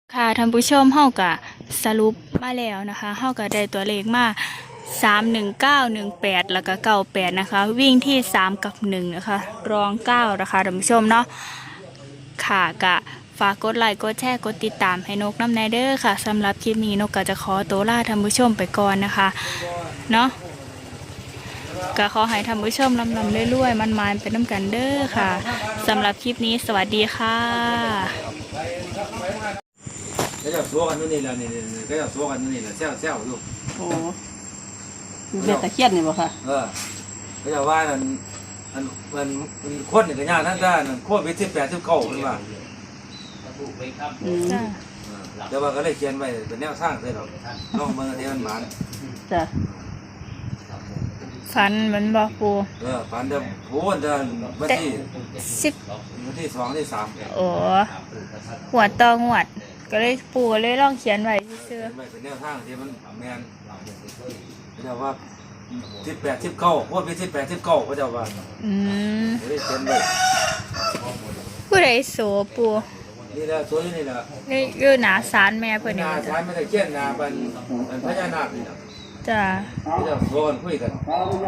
ค่ะท่านผู้ชมเฮาก็สรุปมาแล้วนะคะเฮาก็ได้ตัวเลขมา31918แล้วก็98นะคะวิ่งที่3กับ1นะคะรอง9นะคะท่านผู้ชมเนาะค่ะก็ฝากกดไลค์กดแชร์กดติดตามให้นกน้ำแนเด้อค่ะสำหรับคลิปนี้นกก็จะขอตัวลาท่านผู้ชมไปก่อนนะคะเนาะก็ขอให้ท่านผู้ชมลำเรื่อยๆมันๆเป็นน้ำกันเด้อค่ะสำหรับคลิปนี้สวัสดีค่ะก็จะซัวกันนู่นนี่แหละนี่ก็จะซัวกันนู่นนี่แหละแซวอยู่โอ้อยู่เบ็ดตะเคียนนี่บ่ค่ะก็จะว่ามันโคตรนี่ก็ยากนั่นได้นั่นโคตรวิธี89เป็นว่าเดี๋ยวว่าก็เลยเขียนไว้เป็นแนวสร้างเลยหรอกน้องเมืองที่มันหมานจ้ะฝันเหมือนบอกปูฝันเดิมโอ้เดินวันที่2ที่3 โอ้หัวตองหวดก็เลยปูเลยลองเขียนไว้ซื่อเป็นแนวทางที่มันแมนก็จะว่า18 19โคตรวิธี89ก็จะว่าเลยเขียนไว้ผู้ใดโสปูนี่แหละซัวนี่แหละนี่อยู่หนาศาลแม่เพิ่นนี่ศาลไม่ได้เขียนนาเป็นพญานาคนี่นะจ้ะเดี๋ยวโซนคุยกัน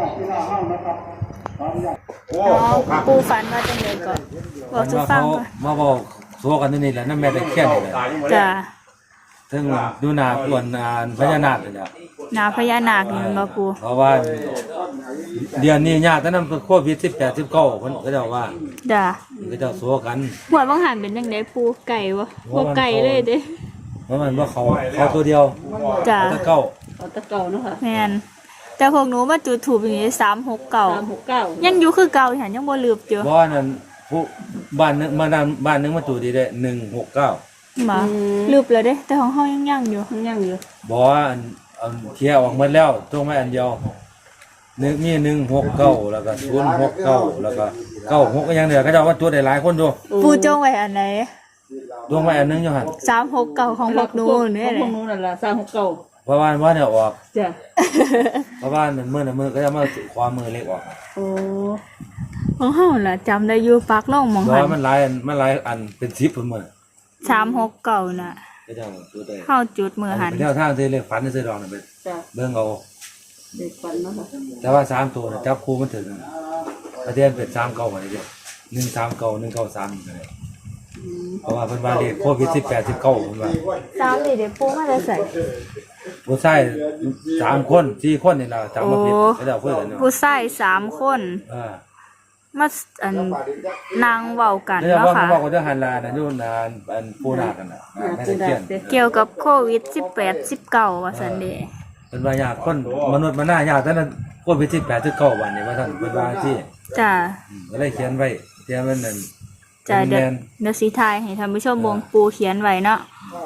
ปูฝันว่าจังได๋ก็บอกสุฟังก่อนมาบอกโซกันนี่แหละนั่นแม่ได้เขียนนี่แหละจ้ะถึงดูนาปวนพญานาคนี่แหละหนาพญานาคนี่มันบ่ปูเพราะว่าเดือนนี้ญาตินั้นโควิด18 19เพิ่นก็เจ้าว่าจ้ะก็เจ้าโซกันหัวบางหันเป็นจังได๋ปูไก่บ่ไก่เลยเด้เพราะมันว่าเขาตัวเดียวจ้ะตะเก่าเนาะค่ะแม่นแต่พวกหนูมาจุดถูปอย่างนี้369ยังอยู่คือเก่าหั่นยังบ่ลืมอยู่บ่นั่นผู้บ้านนึงบ้านนึงมาจุดดีได้169 มาลืมแล้วเด้แต่ของเฮายังอยู่บ่อันเคลียร์ออกหมดแล้วตรงไว้อันเดียวมี169แล้วก็069แล้วก็96ก็ยังเหลือเขาเจ้าว่าจุดได้หลายคนอยู่ปูจงไว้อันไหนดวงไว้อันนึงอยู่หั่น 369ของพวกหนูนี่แหละของพวกหนูนั่นล่ะ369 เพราะว่าเนี่ยออกจ้ะเพราะว่ามือก็จะมาความมือเล็กออกโอ้ของเฮาล่ะจำได้อยู่ปักลงหม่องหั่นมันหลายอันเป็น10พุ่นมื้อ 369น่ะก็จะจุดได้เฮาจุดมือหั่นแนวทางที่เลขฝันซื้อดอกนั่นเป็นจ้ะเบิ่งเอาเด็กฝันเนาะค่ะแต่ว่า3ตัวจับคู่มันถึงประเด็นเป็น39บ่ได้เด้139 193นี่ก็ได้เพราะว่าเพิ่นว่าเลขโควิด18 19เพิ่นว่า 3นี่เดี๋ยวปูมาจะใส่ผู้ชาย3คน4คนนี่ล่ะจำบ่ผิดก็จะคุยกันเนาะผู้ชาย3คนมานางเว้ากันเนาะค่ะเว้ากันเด้อหันลานั่นอยู่นานอันปูนากันน่ะเกี่ยวกับโควิด18 19ว่าซั่นเด้เพิ่นว่าญาติคนมนุษย์มันน่ายากแต่นั้นโควิด18 19วันนี้ว่าซั่นเพิ่นว่าซี่จ้ะก็เลยเขียนไว้เขียนมันนั่นจ้ะเดี๋ยวสิทายให้ท่านผู้ชมวงปูเขียนไว้เนาะ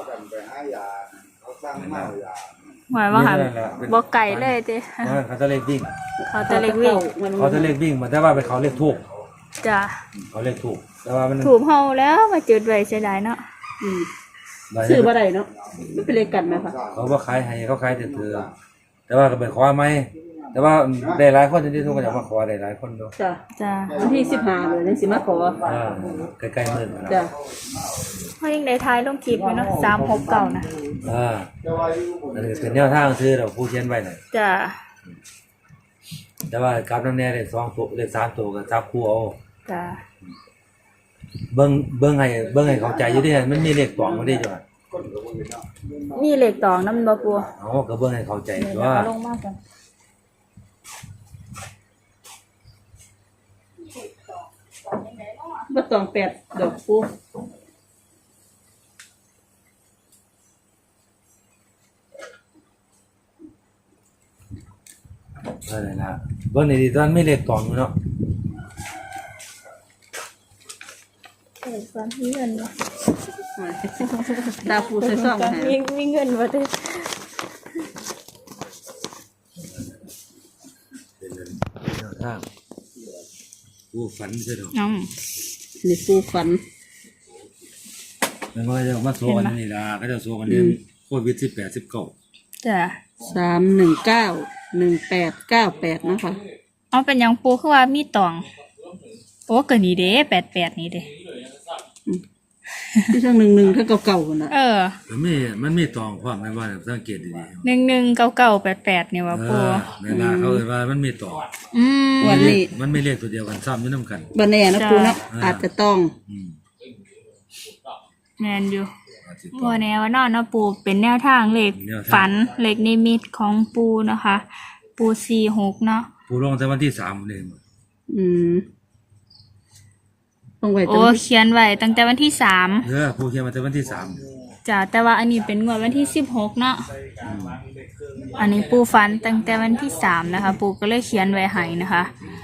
หมายว่าหันบ่ไก่เลยเด้เขาจะเลขวิ่งเขาจะเลขวิ่งมันแต่ว่าไปเขาเลขถูกจ้ะเขาเลขถูกแต่ว่ามันถูกเฮาแล้วมาจุดไว้เสียดายเนาะซื้อบ่ได้เนาะมันเป็นเลขกันมั้ยคะเขาบ่ขายให้เขาขายแต่แต่ว่าก็ไปขอใหม่แต่ว่าได้หลายคนที่ทุกคนอยากมาขอได้หลายคนเนาะจ้ะวันที่15เลยจังสิมาขอใกล้ๆมื้อจ้ะเฮายังได้ทายลงคลิปอยู่เนาะ369นะอันนี้เป็นแนวทางซื้อเราผู้เขียนไว้น่ะจ้ะแต่ว่ากับนำแน่ได้2ตัวเลข3ตัวก็จับคู่เอาจ้ะเบิ่งให้เข้าใจอยู่ดิมันมีเลขตองบ่ได้จ้ะมีเลขตองนำบ่ปูก็เบิ่งให้เข้าใจว่าลงมาก่อนบ่ต้อง8ดอกปูอะไรนะเบิ่งนี่ตอนมีเลขตองอยู่เนาะฟันมีเงินบ่ดาวปูใส่ซองให้มีเงินบ่เด้ปูฝันใช่ดอกนี่ปูฝันมันก็จะมาโซกันนี่ล่ะก็จะโซกันเรื่องโควิด18 19 จ้ะ 3191898นะคะเอาเป็นหยังปูคือว่ามีตองโอ้ก็นี่เด้88นี่เด้ที่ช่าง1-1ถ้าเก่าๆน่ะมันมีตองความในว่าสังเกตดี 119988นี่ว่าๆปูในหน้าเขาเอ่ยว่ามันมีตองอืมวันนี้มันไม่เลขตัวเดียวกันซ้ำอยู่นำกันบ่แน่นะปูเนาะอาจจะต้องอืมแม่นอยู่อาจสิบ่แน่ว่านอนเนาะปูเป็นแนวทางเลขแนวทางฝันเลขนิมิตของปูนะคะ ปู46เนาะผู้ลงแต่วันที่3นี่อืมต้องไว้โอ้เขียนไว้ตั้งแต่วันที่3 ผู้เขียนมาแต่วันที่3 จ้ะแต่ว่าอันนี้เป็นงวดวันที่16เนาะอันนี้ปูฝันตั้งแต่วันที่3นะคะ ปูก็เลยเขียนไว้ให้นะคะ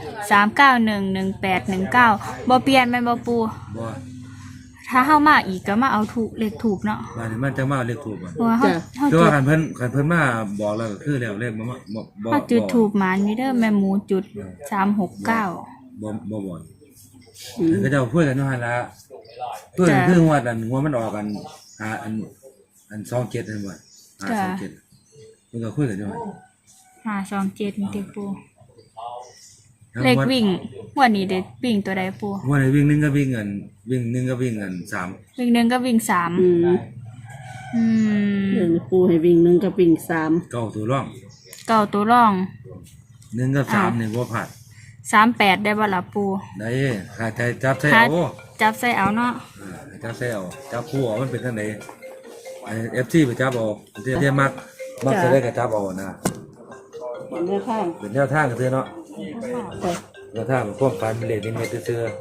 3911819บ่เปลี่ยนแม่นบ่ปูบ่ถ้าเฮามาอีกก็มาเอาถูกเลขถูกเนาะว่านี่มันจะมาเอาเลขถูกบ่เพราะว่าเฮาคือจุว่าดคันเพิ่นมาบอกแล้วก็คือแล้วเลขบ่เฮาจุดถูกหมานมีเด้อแม่หมูจุด369 บ่บ่อืมก็จะพูดกันว่าหั่นละเพื่อนคือหัวมันออกกันหาอัน27นั่นบ่27เพิ่นก็คุยกันอยู่หั่น 527นี่ติปูเลขวิ่งวันนี้เด็กวิ่งตัวใดปูว่าในวิ่งหนึงก็วิ่งกันวิ่งหนึงก็วิ่งกัน3 วิ่งหนึ่งก็วิ่งสามอืมอืมเรื่องปูให้วิ่ง1กับวิ่ง3 เก้าตัวร่องเก่าตัวร่อง 1กับ3นี่บ่พลาด 38ได้บ่ล่ะปูได้ขาใจจับใส่เอาจับใส่เอาเนาะจับใส่เอาจับคู่เอามันเป็นจังได๋ไอ้ FC ไปจับเอาเที่ยมักจะได้ก็จับเอานะเป็นแนวทางเป็นแนวทางก็คือเนาะแต่แนวทางของความฝันเป็นเลขนิมิตซื่อ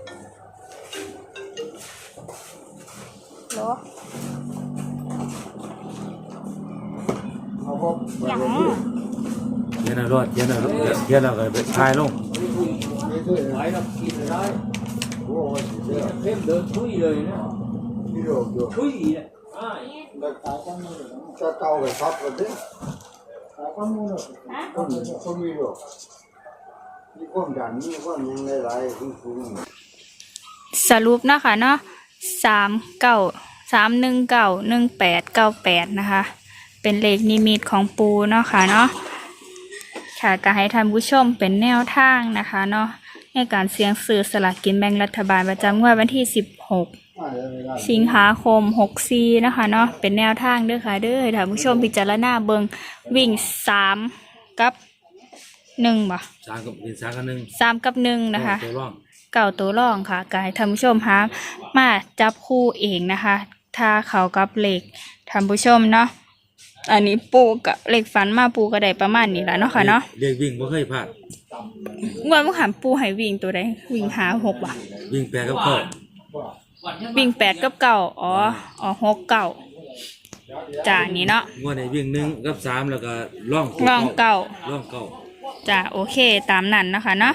โลหยังๆเย็นเอารอดเย็นเอาก็ไปทายลงจะเตาไปพับกันดิคนมีหรอกมีความดันมีความยังหลายๆสูงสรุปนะคะเนาะ3919188นะคะ เป็นเลขนิมิตของปูเนาะค่ะเนาะค่ะก็ให้ท่านผู้ชมเป็นแนวทางนะคะเนาะในการเสี่ยงซื้อสลากกินแบ่งรัฐบาลประจำงวดวันที่16 สิงหาคม64นะคะเนาะเป็นแนวทางเด้อค่ะเด้อให้ท่านผู้ชมพิจารณาเบิ่งวิ่ง3กับ1บ่ 3กับเป็น3กับ1 3กับ1นะคะตัวร่องเก่าตัวรองค่ะก็ให้ท่านผู้ชมหามาจับคู่เองนะคะ ถ้าเขากับเลขท่านผู้ชมเนาะอันนี้ปูกับเลขฝันมาปูก็ได้ประมาณนี้แหละเนาะค่ะเนาะเลขวิ่งบ่เคยพลาดงวดเมื่อหันปูให้วิ่งตัวใดวิ่งหา6บ่ะวิ่งแปรกับเข้าวิ่ง8กับเก่าอ๋อ6เก่าจ้านี่เนาะงวดนี้วิ่ง1กับ3แล้วก็ร่องรองเก่าร่องเก้าจ้าโอเคตามนั้นนะคะเนาะ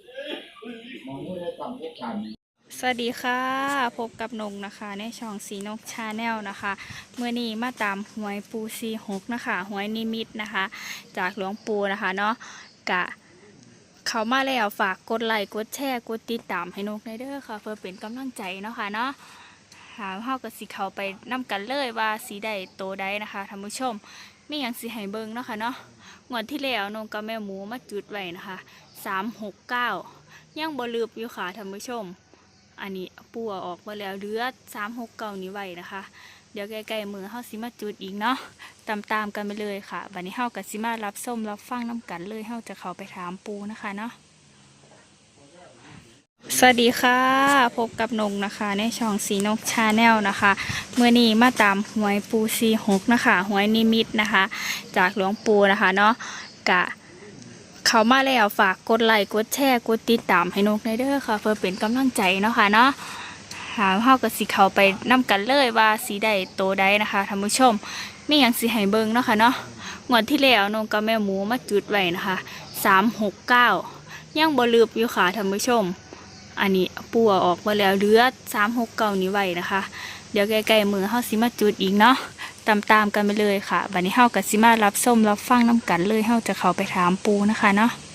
สวัสดีค่ะพบกับนงนะคะในช่องสีนกชาแนลนะคะเมื่อนี้มาตามหวยปู46นะคะหวยนิมิตนะคะ จากหลวงปู่นะคะเนาะกะเขามาแล้วฝากกดไลค์กดแชร์กดติดตามให้นกในเด้อค่ะ เพื่อเป็นกำลังใจเนาะค่ะเนาะหาเฮากับสิเขาไปนํกันเลยว่าสีใดโตใดนะคะท่านผู้ชมมีหยังสิให้เบิ่งเนาะค่ะเนาะงวดที่แล้วนงกับแม่หมูมาจุดไว้นะคะ369ยังบ่ลืมอยู่ค่ะท่านผู้ชมอันนี้ปูเอาออกมาแล้วเหลือ369นี้ไว้นะคะ เดี๋ยวใกล้ๆมือเฮาสิมาจุดอีกเนาะตามกันไปเลยค่ะบัดนี้เฮากับสิมารับส้มรับฟังน้ำกันเลยเฮาจะเข้าไปถามปูนะคะเนาะสวัสดีค่ะพบกับนงนะคะในช่องสีนกชาแนลนะคะเมื่อนี้มาตามหวยปู46นะคะหวยนิมิตนะคะ จากหลวงปู่นะคะเนาะกะเขามาแล้วฝากกดไลค์กดแชร์กดติดตามให้นกในเด้อค่ะ เพื่อเป็นกำลังใจเนาะค่ะเนาะหาเฮากับสิเขาไปนํกันเลยว่าสีใดโตใดนะคะท่านผู้ชมมีหยังสิให้เบิ่งเนาะค่ะเนาะงวดที่แล้วนงกับแม่หมูมาจุดไว้นะคะ369ยังบ่ลืมอยู่ค่ะท่านผู้ชมอันนี้ปูเอาออกมาแล้วเหลือ369นี้ไว้นะคะ เดี๋ยวใกล้ๆมือเฮาสิมาจุดอีกเนาะตามกันไปเลยค่ะบัดนี้เฮากับสิมารับส้มรับฟังน้ำกันเลยเฮาจะเข้าไปถามปูนะคะเนาะ